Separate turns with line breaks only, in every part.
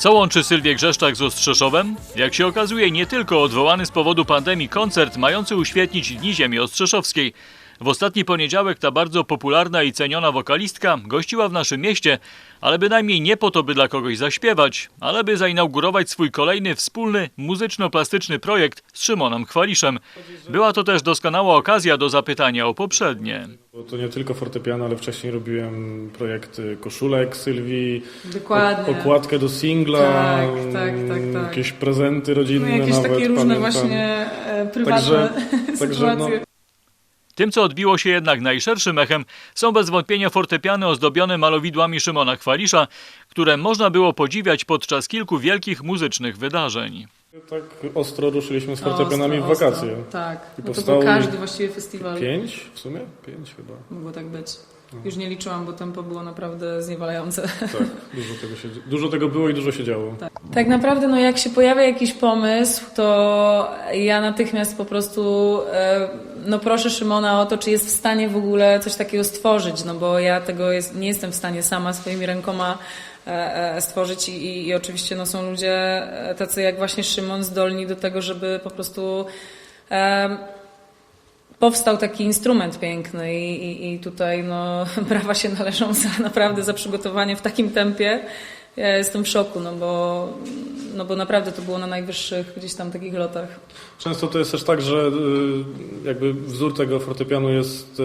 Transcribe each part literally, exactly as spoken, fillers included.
Co łączy Sylwię Grzeszczak z Ostrzeszowem? Jak się okazuje, nie tylko odwołany z powodu pandemii koncert mający uświetnić Dni Ziemi Ostrzeszowskiej. W ostatni poniedziałek ta bardzo popularna i ceniona wokalistka gościła w naszym mieście, ale bynajmniej nie po to, by dla kogoś zaśpiewać, ale by zainaugurować swój kolejny wspólny muzyczno-plastyczny projekt z Szymonem Chwaliszem. Była to też doskonała okazja do zapytania o poprzednie.
To nie tylko fortepiano, ale wcześniej robiłem projekty koszulek Sylwii,
Dokładnie.
okładkę do singla,
tak, tak, tak, tak.
jakieś prezenty rodzinne
no, jakieś
nawet,
takie różne
pamiętam.
właśnie e, prywatne
Także, także
sytuacje.
no,
Tym, co odbiło się jednak najszerszym echem, są bez wątpienia fortepiany ozdobione malowidłami Szymona Chwalisza, które można było podziwiać podczas kilku wielkich muzycznych wydarzeń.
tak ostro ruszyliśmy z fortepianami
Ostro,
w wakacje.
ostro, tak,
I
no to
powstało
był każdy właściwie festiwal.
Pięć w sumie? Pięć chyba.
Mogło tak być. Już nie liczyłam, bo tempo było naprawdę zniewalające.
Tak, dużo tego, się, dużo tego było i dużo się działo.
Tak. tak naprawdę, no jak się pojawia jakiś pomysł, to ja natychmiast po prostu e, no proszę Szymona o to, czy jest w stanie w ogóle coś takiego stworzyć, no bo ja tego jest, nie jestem w stanie sama swoimi rękoma e, e, stworzyć i, i, i oczywiście no, są ludzie tacy jak właśnie Szymon zdolni do tego, żeby po prostu e, powstał taki instrument piękny i, i, i tutaj no, brawa się należą za, naprawdę za przygotowanie w takim tempie. Ja jestem w szoku, no bo, no bo naprawdę to było na najwyższych gdzieś tam takich lotach.
Często to jest też tak, że jakby wzór tego fortepianu jest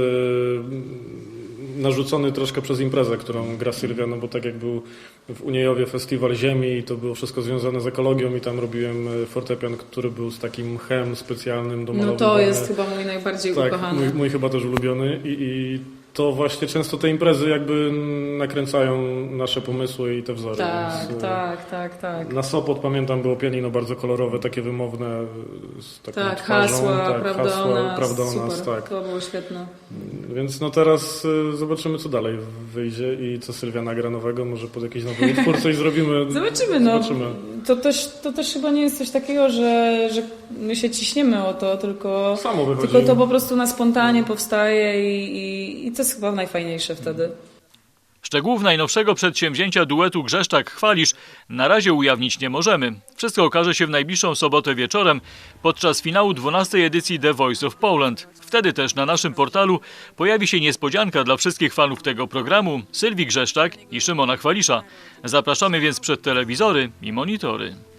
narzucony troszkę przez imprezę, którą gra Sylwia, no bo tak jak był w Uniejowie Festiwal Ziemi i to było wszystko związane z ekologią i tam robiłem fortepian, który był z takim mchem specjalnym do malowania.
No to jest chyba mój najbardziej
tak,
ukochany.
Mój, mój chyba też ulubiony i, i to właśnie często te imprezy jakby nakręcają nasze pomysły i te wzory.
Tak,
Więc,
tak, tak, tak.
Na Sopot pamiętam było pianino bardzo kolorowe, takie wymowne z taką
Tak,
twarzą.
hasła,
tak,
prawda,
hasła,
o nas,
prawda o
super,
nas, tak.
to było świetne.
Więc no teraz y, zobaczymy, co dalej wyjdzie i co Sylwia nagra nowego, może pod jakiś nowy utwór coś zrobimy.
Zobaczymy, no.
Zobaczymy.
To też, to też chyba nie jest coś takiego, że, że my się ciśniemy o to, tylko,
Samo wychodzi.
tylko to po prostu na spontanie powstaje i, i, i to jest chyba najfajniejsze wtedy.
Szczegółów najnowszego przedsięwzięcia duetu Grzeszczak-Chwalisz na razie ujawnić nie możemy. Wszystko okaże się w najbliższą sobotę wieczorem podczas finału dwunastej edycji The Voice of Poland. Wtedy też na naszym portalu pojawi się niespodzianka dla wszystkich fanów tego programu, Sylwii Grzeszczak i Szymona Chwalisza. Zapraszamy więc przed telewizory i monitory.